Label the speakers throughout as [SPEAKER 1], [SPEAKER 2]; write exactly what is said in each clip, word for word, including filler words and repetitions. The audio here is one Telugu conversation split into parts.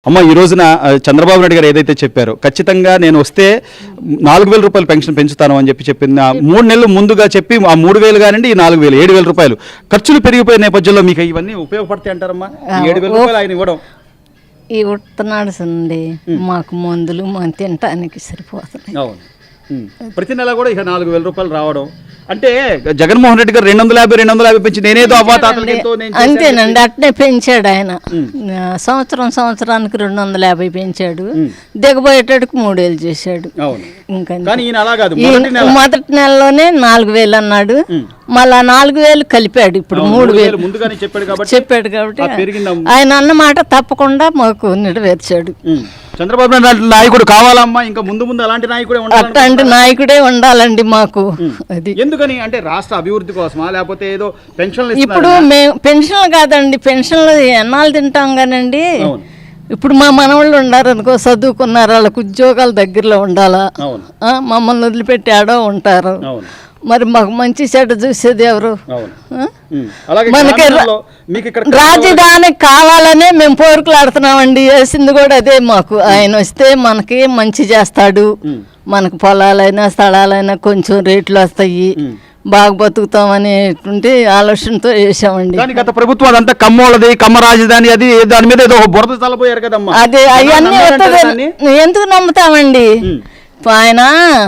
[SPEAKER 1] అమ్మ ఈ రోజున చంద్రబాబు నాయుడు గారు ఏదైతే చెప్పారో ఖచ్చితంగా నేను వస్తే నాలుగు వేల రూపాయలు పెన్షన్ పెంచుతాను అని చెప్పి చెప్పింది మూడు నెలలు ముందుగా చెప్పి ఆ మూడు వేలు కానివ్వండి ఈ నాలుగు వేలు ఏడు వేల రూపాయలు ఖర్చులు పెరిగిపోయే నేపథ్యంలో మీకు ఇవన్నీ ఉపయోగపడతాయి అంటారమ్మా? ఏడు వేల రూపాయలు ఆయన ఇవ్వడం
[SPEAKER 2] ఈ ఉడుతున్నాడు సండి మాకు మందులు మనం తినటానికి సరిపోతున్నాయి.
[SPEAKER 1] అవును, ప్రతి నెల కూడా ఇక నాలుగు వేల రూపాయలు రావడం అంటే జగన్మోహన్ రెడ్డి గారు రెండు వందల యాభై రెండు వందల యాభై పెంచి నేనేదో అవ్వాతాతలతో
[SPEAKER 2] అంతేనండి, అట్నే పెంచాడు ఆయన. సంవత్సరం సంవత్సరానికి రెండు వందల యాభై పెంచాడు, దిగబోయేటట్టుకు మూడేళ్ళు చేశాడు. ఇంకా మొదటి నెలలోనే నాలుగు వేలు అన్నాడు, మళ్ళా నాలుగు వేలు కలిపాడు, ఇప్పుడు మూడు వేలు చెప్పాడు కాబట్టి ఆయన అన్నమాట తప్పకుండా మాకు నెరవేర్చాడు.
[SPEAKER 1] చంద్రబాబు నాయుడు నాయకుడు కావాలమ్మా, ఇంకా ముందు ముందు అలాంటి నాయకుడే ఉండాలి.
[SPEAKER 2] అట్లాంటి నాయకుడే ఉండాలండి మాకు. అది
[SPEAKER 1] ఎందుకని అంటే రాష్ట్ర అభివృద్ధి కోసమా లేకపోతే ఏదో పెన్షన్లు?
[SPEAKER 2] ఇప్పుడు మేము పెన్షన్లు కాదండి, పెన్షన్లు ఎన్నాళ్ళు తింటాం కానండి. ఇప్పుడు మా మనవాళ్ళు ఉన్నారు అనుకో, చదువుకున్నారు, వాళ్ళకు ఉద్యోగాలు దగ్గరలో ఉండాలా, మమ్మల్ని వదిలిపెట్టి ఆడో ఉంటారు. మరి మాకు మంచి చెడ్డ చూసేది ఎవరు? మనకి రాజధాని కావాలనే మేము పోరుకులాడుతున్నామండి. వేసింది కూడా అదే మాకు. ఆయన వస్తే మనకి మంచి చేస్తాడు, మనకు పొలాలైనా స్థలాలైనా కొంచెం రేట్లు వస్తాయి, బాగా బతుకుతాం అనేటువంటి ఆలోచనతో వేసామండి.
[SPEAKER 1] గత ప్రభుత్వం అదంతా కమ్మోళ్ళది, కమ్మ రాజధాని, అది దాని మీద ఏదో బురద చల్లపోయారు కదమ్మా.
[SPEAKER 2] అదే అవన్నీ ఎందుకు నమ్ముతామండి? ఆయన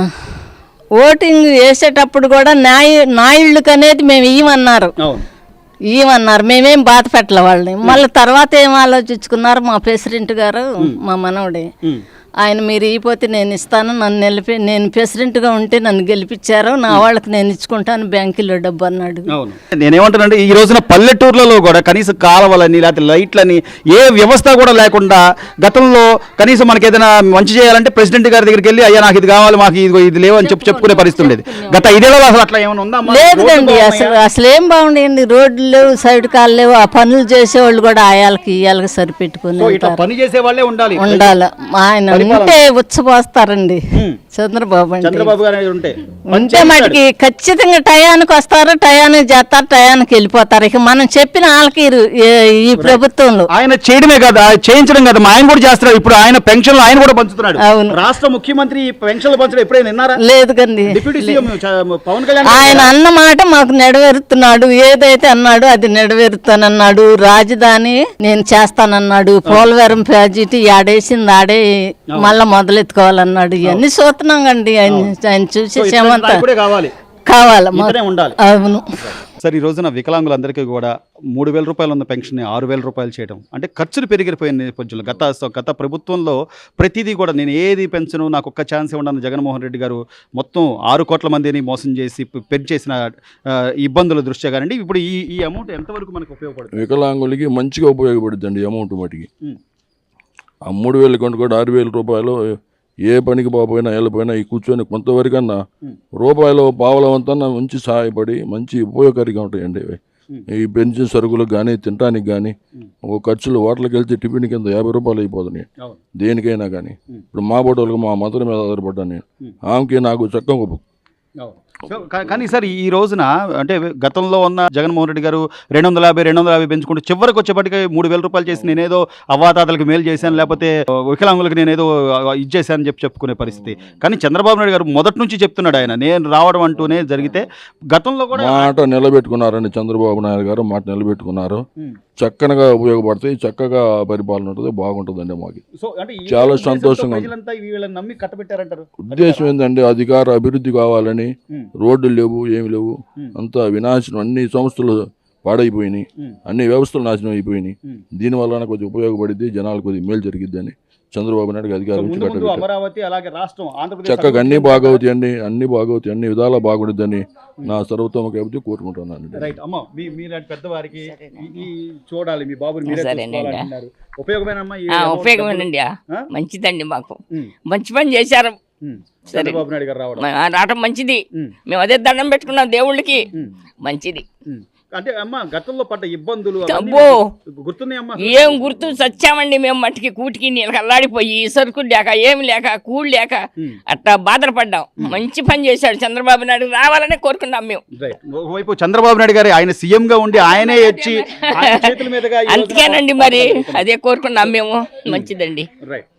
[SPEAKER 2] ఓటింగ్ వేసేటప్పుడు కూడా నాయ నాయుళ్ళకి అనేది మేము ఇవ్వమన్నారు ఇవ్వమన్నారు మేమేం బాధ పెట్టలే వాళ్ళని. మళ్ళీ తర్వాత ఏం ఆలోచించుకున్నారు మా ప్రెసిడెంట్ గారు, మా మనవడే, ఆయన మీరు ఇవ్వకపోతే నేను ఇస్తాను, నన్ను నిలిపి నేను ప్రెసిడెంట్గా ఉంటే నన్ను గెలిపించారు, నా వాళ్ళకి నేను ఇచ్చుకుంటాను బ్యాంకులో డబ్బు అన్నాడు.
[SPEAKER 1] నేనేమంటానంటే ఈ రోజున పల్లెటూర్లలో కూడా కనీసం కాలువలని లేకపోతే లైట్లని ఏ వ్యవస్థ కూడా లేకుండా గతంలో కనీసం మనకి ఏదైనా మంచి చేయాలంటే ప్రెసిడెంట్ గారి దగ్గరికి వెళ్ళి అయ్యా నాకు ఇది కావాలి, మాకు ఇది ఇది లేవు అని చెప్పి చెప్పుకునే పరిస్థితి ఉండేది. గత ఐదేళ్ళలో అసలు అట్లా ఏమైనా ఉందా?
[SPEAKER 2] లేదండి, అసలు అసలు ఏం బాగుండేయండి. రోడ్లు లేవు, సైడ్ కాలు లేవు, ఆ పనులు చేసేవాళ్ళు కూడా ఆయాలకి ఇయ్యాలకి సరిపెట్టుకుని
[SPEAKER 1] పని చేసే వాళ్ళే ఉండాలి
[SPEAKER 2] ఉండాలి. ఆయన ఉంటే ఉచ్చపోస్తారండి చంద్రబాబు అంటే.
[SPEAKER 1] చంద్రబాబు గారు ఉంటే
[SPEAKER 2] ఉంటే మటుకి ఖచ్చితంగా టయానికి వస్తారు, టయానికి చేస్తారు, టయానికి వెళ్ళిపోతారు. ఇక మనం చెప్పిన వాళ్ళకి ఈ ప్రభుత్వంలో
[SPEAKER 1] ఆయన చేయడమే కదా, చేయించడం కదా, ఆయన కూడా చేస్తున్నారు. ఇప్పుడు ఆయన పెన్షన్లు ఆయన కూడా పంచుతున్నాడు. అవును, రాష్ట్ర ముఖ్యమంత్రి పెన్షన్లు పంచడం ఎప్పుడైనా విన్నారా?
[SPEAKER 2] లేదు కండి.
[SPEAKER 1] డిప్యూటీ సీఎం పవన్ కళ్యాణ్
[SPEAKER 2] ఆయన అన్న మాట మాకు నెరవేరుతున్నాడు. ఏదైతే అన్నాడు అది నెరవేరుతానన్నాడు. రాజధాని నేను చేస్తానన్నాడు. పోలవరం ప్రాజెక్టు ఆడేసింది ఆడే మళ్ళా మొదలెత్తుకోవాలన్నాడు. ఇవన్నీ చూస్తున్నాం కండి. ఆయన ఆయన చూసే క్షేమంతా కావాలి
[SPEAKER 1] ఉండాలి.
[SPEAKER 2] అవును
[SPEAKER 1] సార్, ఈ రోజున వికలాంగులందరికీ కూడా మూడు వేల రూపాయలు ఉన్న పెన్షన్ ఆరు వేల రూపాయలు చేయడం అంటే ఖర్చులు పెరిగిపోయిన నేపథ్యంలో గత గత ప్రభుత్వంలో ప్రతిదీ కూడా నేను ఏది పెంచను, నాకు ఒక్క ఛాన్స్ ఇవ్వడానికి జగన్మోహన్ రెడ్డి గారు మొత్తం ఆరు కోట్ల మందిని మోసం చేసి పెంచేసిన ఇబ్బందుల దృష్ట్యా కానండి ఇప్పుడు ఈ ఈ అమౌంట్ ఎంతవరకు మనకు ఉపయోగపడుతుంది?
[SPEAKER 3] వికలాంగులకి మంచిగా ఉపయోగపడుతుంది అండి అమౌంట్ మటుకి. ఆ మూడు వేల కొంట కూడా ఆరు వేల రూపాయలు ఏ పనికి పోయినా వెళ్ళిపోయినా ఈ కూర్చొని కొంతవరకన్నా రూపాయలు పావలవంతన్నా మంచి సహాయపడి మంచి ఉపయోగకారిగా ఉంటాయండి. ఈ పెన్షన్ సరుకులకు కానీ తినడానికి కానీ ఒక ఖర్చులు హోటల్కి వెళ్తే టిఫిన్ కింద యాభై రూపాయలు అయిపోతున్నాయి దేనికైనా కానీ. ఇప్పుడు మా బోటోళ్ళకి మా మదర్ మీద ఆధారపడ్డాను నేను, ఆమెకి నాకు చక్కగా.
[SPEAKER 1] కానీ సార్ ఈ రోజున అంటే గతంలో ఉన్న జగన్మోహన్ రెడ్డి గారు రెండు వందల యాభై రెండు వందల యాభై పెంచుకుంటూ చివరికి వచ్చేప్పటికి మూడు వేల రూపాయలు చేసి నేనేదో అవ్వాతాతలకు మేలు చేశాను లేకపోతే వికలాంగులకు నేనేదో ఇది చేశానని చెప్పి చెప్పుకునే పరిస్థితి. కానీ చంద్రబాబు నాయుడు గారు మొదటి నుంచి చెప్తున్నాడు ఆయన నేను రావడం అంటూనే జరిగితే గతంలో కూడా
[SPEAKER 3] మాట నిలబెట్టుకున్నారండి. చంద్రబాబు నాయుడు గారు మాట నిలబెట్టుకున్నారు. చక్కగా ఉపయోగపడతాయి, చక్కగా పరిపాలన ఉంటుంది, బాగుంటుందండి మాకు. చాలా సంతోషంగా. ఉద్దేశం ఏంటంటే అధికార అభివృద్ధి కావాలని. రోడ్లు లేవు, ఏమి లేవు, అంతా వినాశనం, అన్ని సంస్థలు పాడైపోయినాయి, అన్ని వ్యవస్థలు నాశనం అయిపోయినాయి. దీనివల్ల కొద్దిగా ఉపయోగపడింది, జనాలు కొద్దిగా మేలు జరిగిద్ది అని చంద్రబాబు నాయుడు అధికారం నుంచి కట్టబెట్టారు. చక్కగా అన్ని బాగవుతాయి అండి, అన్ని బాగవుతాయి, అన్ని విధాలా బాగుంటుందని నా సర్వోత్తమ కాబట్టి కోరుకుంటున్నాను.
[SPEAKER 4] ఉపయోగమేనండి, మంచిదండి, మాకు మంచి పని చేశారు. సరే రావడం మంచిది. మేము అదే దండం పెట్టుకున్నాం దేవుళ్ళకి, మంచిది.
[SPEAKER 1] అంటే అమ్మ గతంలో పడ్డ ఇబ్బందులు
[SPEAKER 4] అబ్బో
[SPEAKER 1] గుర్తున్నాయమ్మా?
[SPEAKER 4] ఏం గుర్తు చచ్చామండి మేము మట్టికి కూటికి నీళ్ళకి అల్లాడిపోయి సరుకులు లేక ఏమి లేక కూడు లేక అట్లా బాధపడ్డాం. మంచి పని చేశాడు చంద్రబాబు నాయుడు, రావాలనే కోరుకున్నాం మేము.
[SPEAKER 1] ఒకవైపు చంద్రబాబు నాయుడు గారు ఆయన సీఎం గా ఉండి ఆయనే వచ్చి ఆయన చేతుల మీదుగా ఈ రోజున
[SPEAKER 4] అందుకేనండి మరి అదే కోరుకున్నాం మేము. మంచిదండి.
[SPEAKER 1] రైట్.